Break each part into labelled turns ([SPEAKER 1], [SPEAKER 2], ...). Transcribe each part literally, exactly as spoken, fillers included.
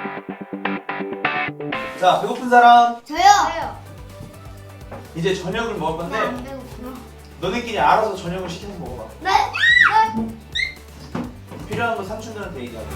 [SPEAKER 1] 자, 배고픈 사람?
[SPEAKER 2] 저요. 저요.
[SPEAKER 1] 이제 저녁을 먹을 건데
[SPEAKER 2] 나안 배고프나?
[SPEAKER 1] 너네끼리 알아서 저녁을 시켜서 먹어봐.
[SPEAKER 2] 네. 네.
[SPEAKER 1] 필요한 거 삼촌들한테 얘기하고.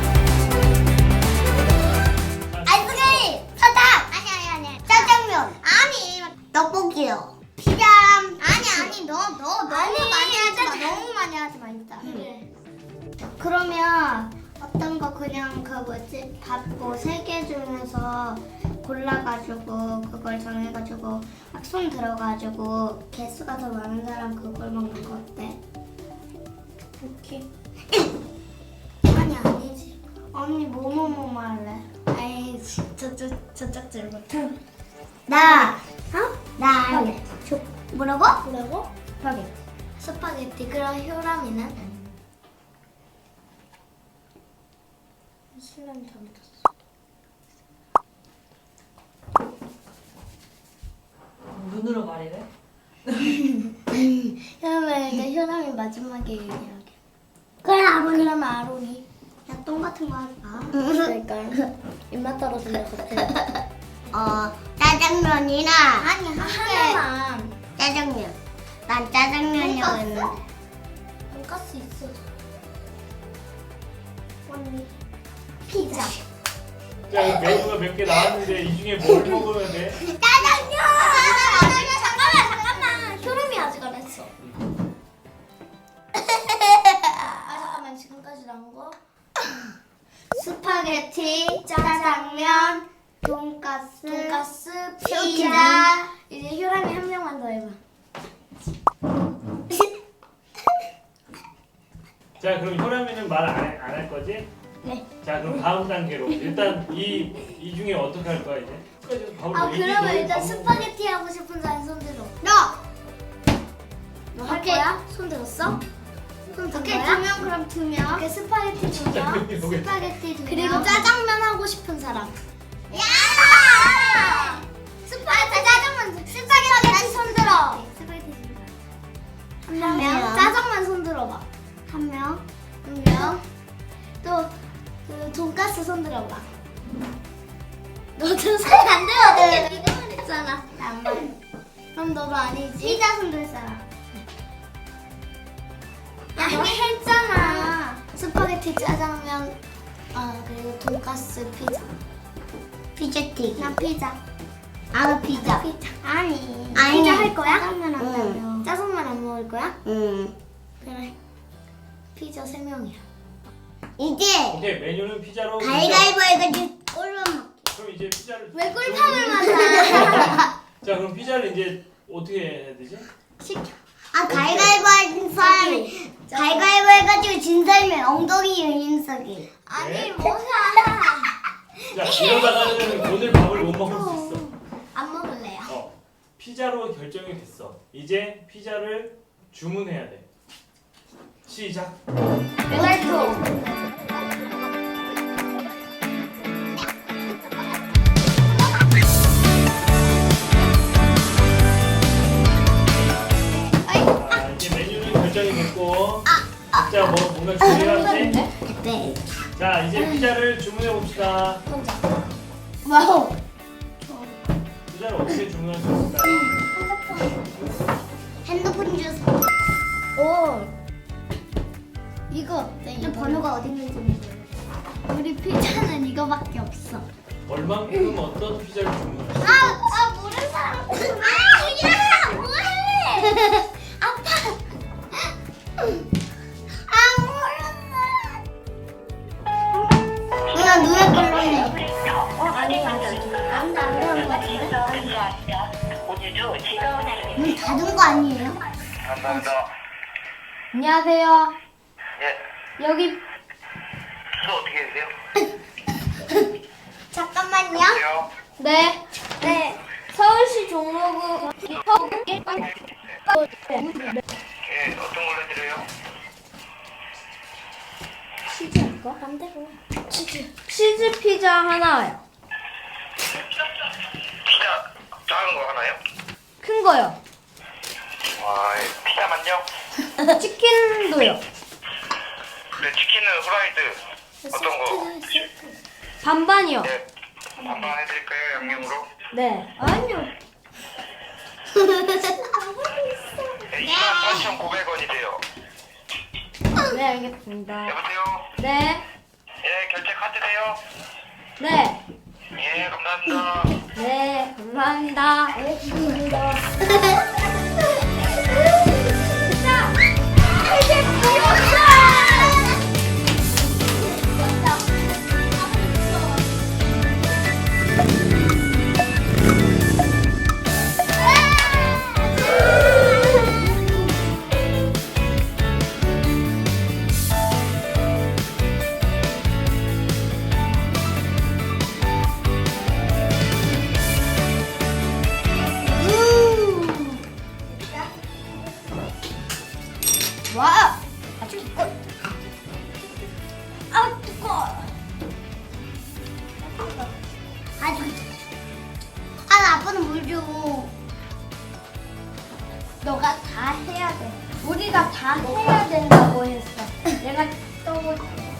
[SPEAKER 2] 아이스크림, 사탕. 아니 아니 아니. 짜장면. 아니. 떡볶이요. 피자. 아니 아니 너 너 너무 많이 하지 마. 너무 많이 하지 마 진짜. 그래. 그러면 어떤 거 그냥 그 뭐지 밥뭐 세 개 중에서 골라가지고 그걸 정해가지고 막 손 들어가지고 개수가 더 많은 사람 그걸 먹는 거 어때? 오케이. 아니 아니지. 언니 뭐뭐뭐 할래? 아이 저저 저쪽 질부터. 나 어? 나 할래. 저 뭐라고? 뭐라고? 스파게티. 스파게티. 그럼 효람이는? 신랑이 잘못했어.
[SPEAKER 3] 눈으로 말이래?
[SPEAKER 2] 효람이 일단 효람이 마지막에 얘기하게. 그래 아론이. 그러면 아론이. 야 똥 같은 거 하지 마. 그러니까 입맛 떨어질 것 같아. 어 짜장면이나 아니 하나만. 짜장면. 난 짜장면이라고 했는데. 돈가스 있어. 언니. 피자.
[SPEAKER 4] 자, 메뉴가 몇 개 나왔는데 이 중에 뭘 먹으면 돼?
[SPEAKER 2] 짜장면! 짜장면 잠깐만 잠깐만 효름이 아직 안 했어. 아 잠깐만 지금까지 나온 거 스파게티, 짜장면, 돈가스, 돈가스, 피자. 이제 효람이 한 명만 더 해봐.
[SPEAKER 4] 자, 그럼 효람이는 말 안 할 거지?
[SPEAKER 2] 네.
[SPEAKER 4] 자, 그럼 다음 단계로 일단 이, 이 중에 어떻게 할 거야 이제? 끝까지 밥을
[SPEAKER 2] 아
[SPEAKER 4] 먹-
[SPEAKER 2] 그러면
[SPEAKER 4] 이게
[SPEAKER 2] 일단
[SPEAKER 4] 너무
[SPEAKER 2] 스파게티 하고 싶은 사람 손 들어. 너! 너 할 거야? 손 들었어? 손 든
[SPEAKER 5] 오케이,
[SPEAKER 2] 거야?
[SPEAKER 5] 두 명 그럼 두 명.
[SPEAKER 2] 오케이 스파게티 두 명.
[SPEAKER 4] 짜장면이 뭐겠어?
[SPEAKER 2] 스파게티 두 명.
[SPEAKER 5] 그리고 짜장면 하고 싶은 사람.
[SPEAKER 2] 야! 스파게티 짜장면 스파게티 손 들어. 스파게티 손 들어. 한 명.
[SPEAKER 5] 명.
[SPEAKER 2] 짜장면 손 들어봐.
[SPEAKER 5] 한 명.
[SPEAKER 2] 한 명. 또그 돈가스 손 들어봐. 너도 손안 들어도 네가 말했잖아. 나안 말. 그럼 너도 아니지. 피자 손 들 사람. 야, 너 했잖아. 스파게티, 짜장면, 아 그리고 돈가스, 피자.
[SPEAKER 5] 피자튀기.
[SPEAKER 2] 난 피자.
[SPEAKER 5] 아 피자.
[SPEAKER 2] 피자.
[SPEAKER 5] 아니.
[SPEAKER 2] 아니. 피자 할 거야?
[SPEAKER 5] 짜장면 한다며.
[SPEAKER 2] 짜장면 안 먹을 거야?
[SPEAKER 5] 응.
[SPEAKER 2] 그래. 피자 세 명이야.
[SPEAKER 5] 이제
[SPEAKER 4] 오케이, 메뉴는 피자로.
[SPEAKER 5] 가위가위보 해가지고 꼴로 먹.
[SPEAKER 4] 그럼 이제 피자를.
[SPEAKER 2] 왜 꿀탕을 맞아?
[SPEAKER 4] 자, 그럼 피자를 이제 어떻게 해야 되지?
[SPEAKER 2] 시켜.
[SPEAKER 5] 아 가위가위보 한 사람이 가위가위보 해가지고 진 사람이 엉덩이 윤석이.
[SPEAKER 2] 아니
[SPEAKER 4] 네.
[SPEAKER 2] 뭐야?
[SPEAKER 4] 자, 이러다가는 오늘 밥을 못 먹을 수 있어.
[SPEAKER 2] 안 먹을래요.
[SPEAKER 4] 어, 피자로 결정이 됐어. 이제 피자를 주문해야 돼. 시작.
[SPEAKER 2] 왼쪽.
[SPEAKER 4] 자, 이제 메뉴는 결정이 됐고 각자 뭐 뭔가 준비해야지.
[SPEAKER 5] 네.
[SPEAKER 4] 자, 이제 피자를 주문해 봅시다.
[SPEAKER 2] 혼자.
[SPEAKER 5] 와우.
[SPEAKER 4] 피자를 어떻게 주문할 수 있을까요?
[SPEAKER 5] 핸드폰 주스.
[SPEAKER 2] 오. 이거 어때?
[SPEAKER 5] 이 번호가 어디 있는지 모르겠어.
[SPEAKER 2] 우리 피자는 이거밖에 없어.
[SPEAKER 4] 얼만큼 어떤 피자를 주문할 수
[SPEAKER 2] 아,
[SPEAKER 4] 있을까요?
[SPEAKER 2] 아 모르는 사람. 아, 야, 뭐해? 아파. 아, 모르는.
[SPEAKER 5] 누나 눈에 걸렸네.
[SPEAKER 2] 어, 아니, 아니. 안돼 안 그런 거 같은데.
[SPEAKER 5] 문 닫은 거 아니에요?
[SPEAKER 6] 감사합니다.
[SPEAKER 2] 안녕하세요.
[SPEAKER 6] 예,
[SPEAKER 2] 여기
[SPEAKER 6] 주소 어떻게 되세요?
[SPEAKER 2] 잠깐만요.
[SPEAKER 6] 안녕.
[SPEAKER 2] 네. 네. 서울시 종로구 서울
[SPEAKER 6] 예, 어떤 걸로 드려요?
[SPEAKER 2] 치즈 할까? 반대로. 치즈. 치즈 피자 하나요.
[SPEAKER 6] 피자 작은 거 하나요?
[SPEAKER 2] 큰 거요.
[SPEAKER 6] 와, 피자만요?
[SPEAKER 2] 치킨도요.
[SPEAKER 6] 네, 치킨은 후라이드 어떤 거?
[SPEAKER 3] 반반이요.
[SPEAKER 6] 네. 반반 해드릴까요? 양념으로?
[SPEAKER 3] 네. 아니요.
[SPEAKER 6] 네, 이만 팔천구백 원이세요.
[SPEAKER 3] 네, 알겠습니다.
[SPEAKER 6] 여보세요?
[SPEAKER 3] 네.
[SPEAKER 6] 예, 결제 카드세요?
[SPEAKER 3] 네.
[SPEAKER 6] 예, 감사합니다.
[SPEAKER 3] 네, 감사합니다.
[SPEAKER 2] 와, 아주 두꺼. 아, 두꺼. 아주. 아, 아빠는 물 줘. 너가 다 해야 돼. 우리가 다 해야 된다고 했어. 내가 또